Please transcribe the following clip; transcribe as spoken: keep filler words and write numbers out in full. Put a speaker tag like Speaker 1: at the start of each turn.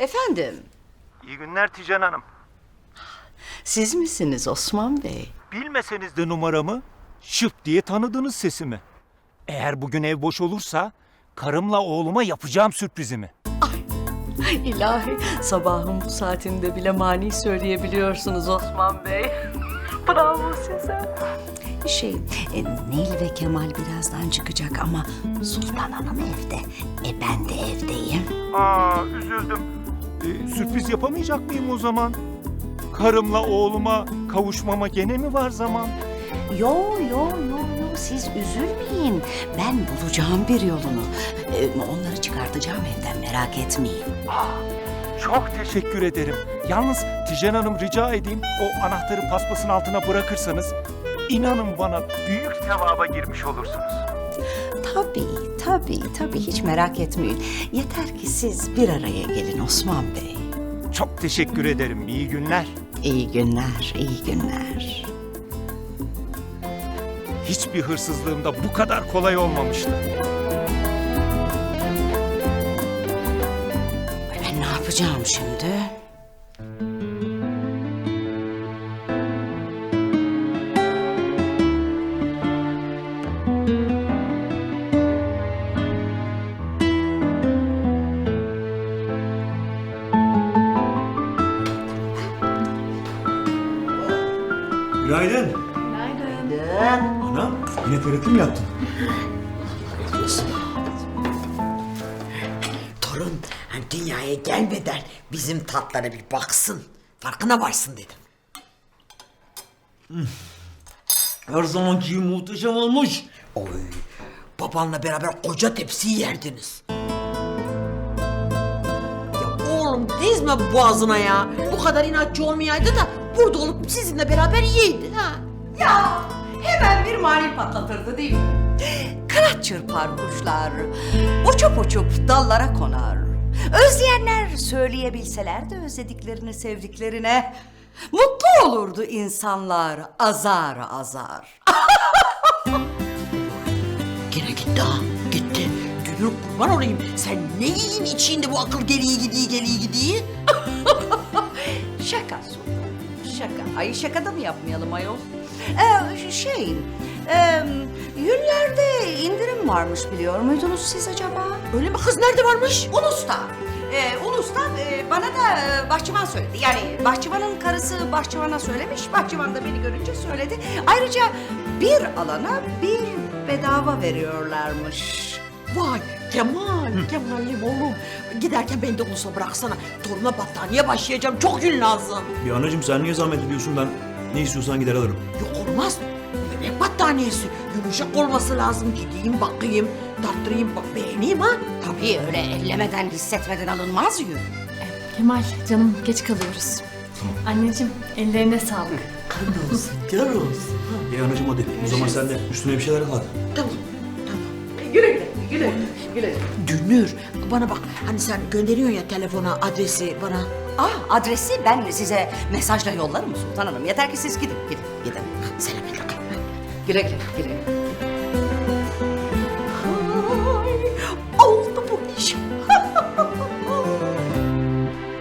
Speaker 1: Efendim,
Speaker 2: İyi günler Tijen Hanım.
Speaker 1: siz misiniz Osman Bey?
Speaker 2: Bilmeseniz de numaramı, şıp diye tanıdınız sesimi. Eğer bugün ev boş olursa karımla oğluma yapacağım sürprizimi.
Speaker 1: İlahi, sabahın bu saatinde bile mani söyleyebiliyorsunuz Osman Bey. Bravo size. Şey, e, Nil ve Kemal birazdan çıkacak ama Sultan Hanım evde. E ben de evdeyim.
Speaker 2: Aa, üzüldüm. Ee, sürpriz yapamayacak mıyım o zaman? Karımla oğluma kavuşmama gene mi var zaman?
Speaker 1: Yo yo yo yo, siz üzülmeyin. Ben bulacağım bir yolunu. E, onları çıkartacağım evden, merak etmeyin.
Speaker 2: Çok teşekkür ederim. Yalnız Tijen Hanım rica edeyim o anahtarı paspasın altına bırakırsanız inanın bana büyük sevaba girmiş olursunuz.
Speaker 1: Tabii, tabii, tabii, hiç merak etmeyin. Yeter ki siz bir araya gelin Osman Bey.
Speaker 2: Çok teşekkür ederim. İyi günler.
Speaker 1: İyi günler, iyi günler.
Speaker 2: Hiçbir hırsızlığımda bu kadar kolay olmamıştı.
Speaker 1: Ay, ben ne yapacağım şimdi?
Speaker 3: Günaydın.
Speaker 1: Günaydın.
Speaker 3: Anam, yine T R T mi yaptın?
Speaker 4: Torun hani dünyaya gelmeden bizim tatlara bir baksın. Farkına varsın dedim.
Speaker 3: Her zamanki gibi muhteşem olmuş.
Speaker 4: Oy, babanla beraber koca tepsiyi yerdiniz. Ya oğlum dizme boğazına ya. Bu kadar inatçı olmayaydı da burada olup sizinle beraber yiyeydi ha.
Speaker 1: Ya hemen bir mani patlatırdı değil mi? Kanat çırpar kuşlar, uçup uçup dallara konar. Özleyenler söyleyebilseler de özlediklerini sevdiklerine. Mutlu olurdu insanlar azar azar.
Speaker 4: Gene gitti ha, gitti. Dünür kurban olayım. Sen ne yiyin içinde bu akıl geliği gidiği geliği gidiği?
Speaker 1: Şaka Sultan, şaka. Ay şaka da mı yapmayalım ayol? Ee, şey, e, yünlerde indirim varmış biliyor muydunuz siz acaba?
Speaker 4: Öyle mi kız, nerede varmış?
Speaker 1: Ulus'ta. Ee, Ulus'ta e, bana da e, bahçıvan söyledi. Yani bahçıvanın karısı bahçıvana söylemiş. Bahçıvan da beni görünce söyledi. Ayrıca bir alana bir bedava veriyorlarmış.
Speaker 4: Vay Kemal, Kemal'im oğlum. Giderken beni de Ulus'a bıraksana. Toruna battaniye başlayacağım. Çok yün lazım.
Speaker 3: Ya anacığım sen niye zahmet ediyorsun, ben ne istiyorsan gider alırım.
Speaker 4: Yok olmaz. Bebek battaniyesi. Yumuşak olması lazım. Gideyim bakayım, tarttırayım, bak beğeneyim ha.
Speaker 1: Tabii öyle ellemeden, hissetmeden alınmaz yün.
Speaker 5: Kemal canım geç kalıyoruz. Anneciğim ellerine sağlık.
Speaker 4: Kan olsun, kör olsun.
Speaker 3: Ya anacığım hadi o zaman sen de üstüne bir şeyler al hadi.
Speaker 4: Tamam, tamam. Güle güle, güle güle. Dünür, bana bak. Hani sen gönderiyorsun ya telefona, adresi bana.
Speaker 1: Ah, adresi ben size mesajla yollarım Sultan Hanım. Yeter ki siz gidin, gidin, gidin.
Speaker 4: Selametle kal.
Speaker 1: Güle güle, güle.